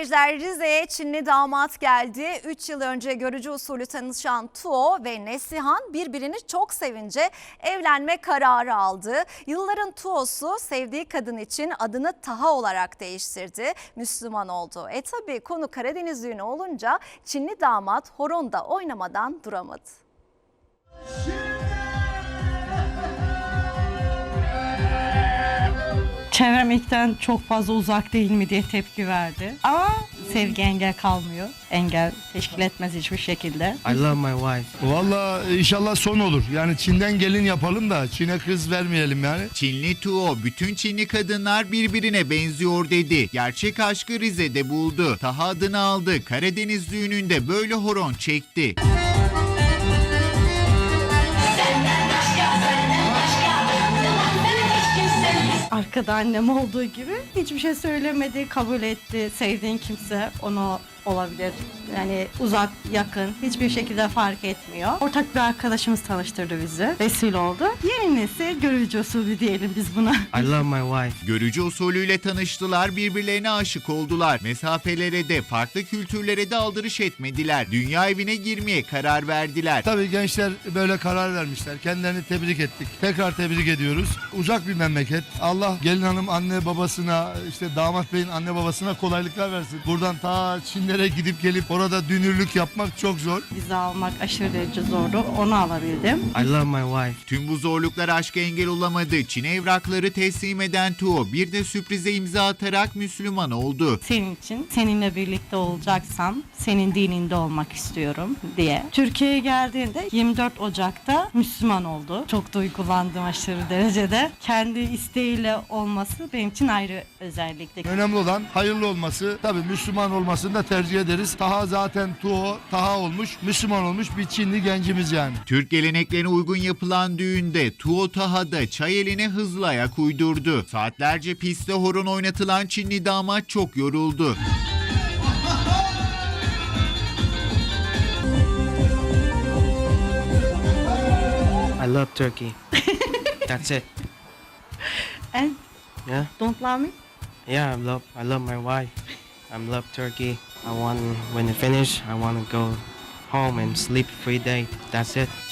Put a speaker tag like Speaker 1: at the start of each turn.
Speaker 1: seyirciler, Rize'ye Çinli damat geldi. 3 yıl önce görücü usulü tanışan Tuo ve Neslihan birbirini çok sevince evlenme kararı aldı. Yılların Tuo'su sevdiği kadın için adını Taha olarak değiştirdi. Müslüman oldu. Tabii konu Karadeniz düğünü olunca Çinli damat horonda oynamadan duramadı.
Speaker 2: Çevrem ilkten çok fazla uzak değil mi diye tepki verdi. Ama sevgi engel kalmıyor. Engel teşkil etmez hiçbir şekilde.
Speaker 3: I love my wife.
Speaker 4: Valla inşallah son olur. Yani Çin'den gelin yapalım da Çin'e kız vermeyelim yani.
Speaker 5: Çinli Tuo, bütün Çinli kadınlar birbirine benziyor dedi. Gerçek aşkı Rize'de buldu. Taha adını aldı. Karadeniz düğününde böyle horon çekti.
Speaker 2: Arkada annem olduğu gibi hiçbir şey söylemedi, kabul etti. Sevdiğin kimse onu olabilir. Yani uzak, yakın hiçbir şekilde fark etmiyor. Ortak bir arkadaşımız tanıştırdı bizi. Vesile oldu. Yeni nesil görücü usulü diyelim biz buna.
Speaker 3: I love my wife.
Speaker 5: Görücü usulüyle tanıştılar, birbirlerine aşık oldular. Mesafelere de, farklı kültürlere de aldırış etmediler. Dünya evine girmeye karar verdiler.
Speaker 4: Tabii gençler böyle karar vermişler. Kendilerini tebrik ettik. Tekrar tebrik ediyoruz. Uzak bir memleket. Allah gelin hanım anne babasına, işte damat beyin anne babasına kolaylıklar versin. Buradan ta Çinlere gidip gelip orada dünürlük yapmak çok zor.
Speaker 2: Vize almak aşırı derece zordu. Onu alabildim.
Speaker 3: I love my wife.
Speaker 5: Tüm bu zorluklar aşka engel olamadı. Çin'e evrakları teslim eden Tuo bir de sürprize imza atarak Müslüman oldu.
Speaker 2: Senin için, seninle birlikte olacaksam senin dininde olmak istiyorum diye. Türkiye'ye geldiğinde 24 Ocak'ta Müslüman oldu. Çok duygulandım aşırı derecede. Kendi isteğiyle olması benim için ayrı özellikle.
Speaker 4: Önemli olan hayırlı olması. Tabii Müslüman olmasını da tercih ederiz. Taha zaten Tuo, Taha olmuş, Müslüman olmuş bir Çinli gencimiz yani.
Speaker 5: Türk geleneklerine uygun yapılan düğünde Tuo Taha'da çay eline hızlı ayak uydurdu. Saatlerce pistte horon oynatılan Çinli damat çok yoruldu.
Speaker 3: I love Turkey. That's it.
Speaker 2: And
Speaker 3: Yeah.
Speaker 2: don't love me?
Speaker 3: Yeah, I love my wife. I love Turkey. When it finish, I want to go home and sleep 3 days. That's it.